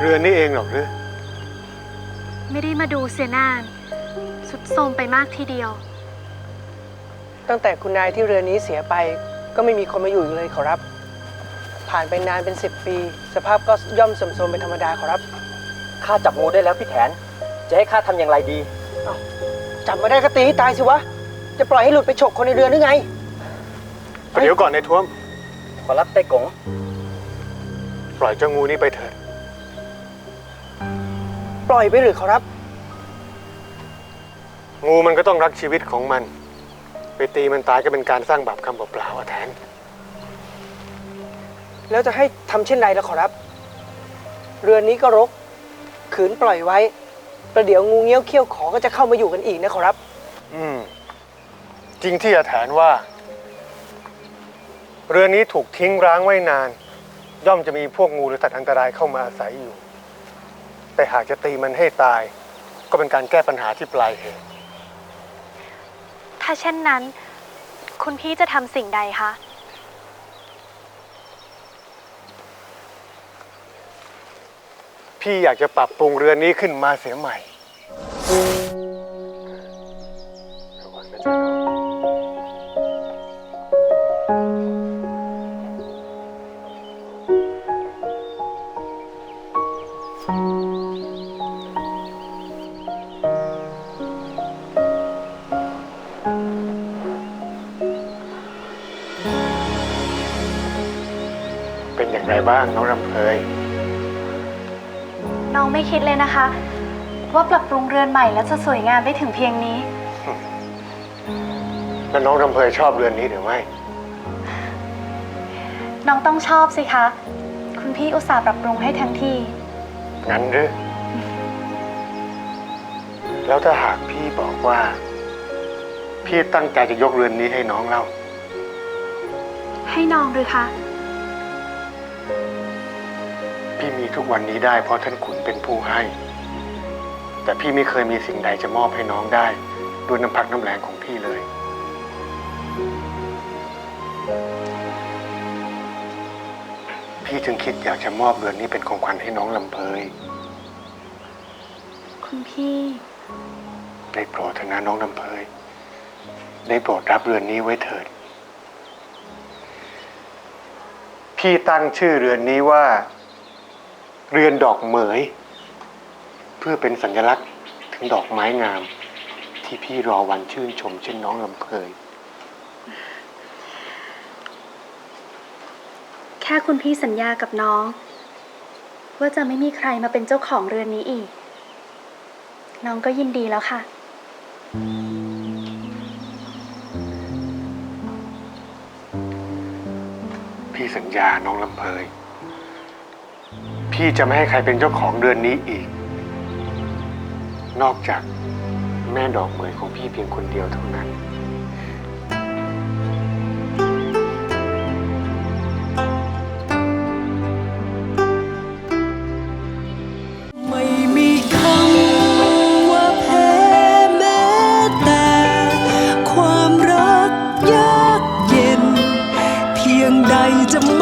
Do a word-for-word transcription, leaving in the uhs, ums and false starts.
รือนี่เองหรอกหรือไม่ได้มาดูเสียนานสุดโทรมไปมากทีเดียวตั้งแต่คุณนายที่เรือนี้เสียไปก็ไม่มีคนมาอยู่อีกเลยขอรับผ่านไปนานเป็นสิบปีสภาพก็ย่อมเสื่อมโทรมเป็นธรรมดาขอรับข้าจับงูได้แล้วพี่แถนจะให้ข้าทำอย่างไรดีจับมาได้ก็ตีให้ตายสิวะจะปล่อยให้หลุดไปฉกคนในเรือหรือไงเดี๋ยวก่อนในท้วมขอรับไต้กงปล่อยเจ้างูนี้ไปเถิดปล่อยไปหรือขอรับงูมันก็ต้องรักชีวิตของมันไปตีมันตายก็เป็นการสร้างบาปกรรมเปล่าๆแทนแล้วจะให้ทำเช่นไรล่ะขอรับเรือนนี้ก็รกขืนปล่อยไว้ประเดี๋ยวงูเงี้ยวเขี้ยวขอก็จะเข้ามาอยู่กันอีกนะขอรับอืมจริงที่อาแถนว่าเรือนนี้ถูกทิ้งร้างไว้นานย่อมจะมีพวกงูหรือสัตว์อันตรายเข้ามาอาศัยอยู่แต่หากจะตีมันให้ตายก็เป็นการแก้ปัญหาที่ปลายเหตุถ้าเช่นนั้นคุณพี่จะทำสิ่งใดคะพี่อยากจะปรับปรุงเรือนนี้ขึ้นมาเสียใหม่เป็นอย่างไรบ้างน้องรำเพยน้องไม่คิดเลยนะคะว่าปรับปรุงเรือนใหม่แล้วจะสวยงามได้ถึงเพียงนี้แล้วน้องรำเพยชอบเรือนนี้หรือไม่น้องต้องชอบสิคะคุณพี่อุตส่าห์ปรับปรุงให้ทั้งที่งั้นหรือแล้วถ้าหากพี่บอกว่าพี่ตั้งใจจะยกเรือนนี้ให้น้องเล่าให้น้องหรือคะพี่มีทุกวันนี้ได้เพราะท่านขุนเป็นผู้ให้แต่พี่ไม่เคยมีสิ่งใดจะมอบให้น้องได้ด้วยน้ำพักน้ำแรงของพี่เลยพี่จึงคิดอยากจะมอบเรือนนี้เป็นของขวัญให้น้องลำเพยคุณพี่ได้โปรดเถอะนะน้องลำเพยได้โปรดรับเรือนนี้ไว้เถิดพี่ตั้งชื่อเรือนนี้ว่าเรือนดอกเหมยเพื่อเป็นสัญลักษณ์ถึงดอกไม้งามที่พี่รอวันชื่นชมเช่นน้องลำเพยแค่คุณพี่สัญญากับน้องว่าจะไม่มีใครมาเป็นเจ้าของเรือนนี้อีกน้องก็ยินดีแล้วค่ะพี่สัญญาน้องลำเพยพี่จะไม่ให้ใครเป็นเจ้าของเรือนนี้อีกนอกจากแม่ดอกเหมยของพี่เพียงคนเดียวเท่านั้นไม่มีคำว่าแพ้แม้แต่ความรักยากเย็นเพียงใดจะ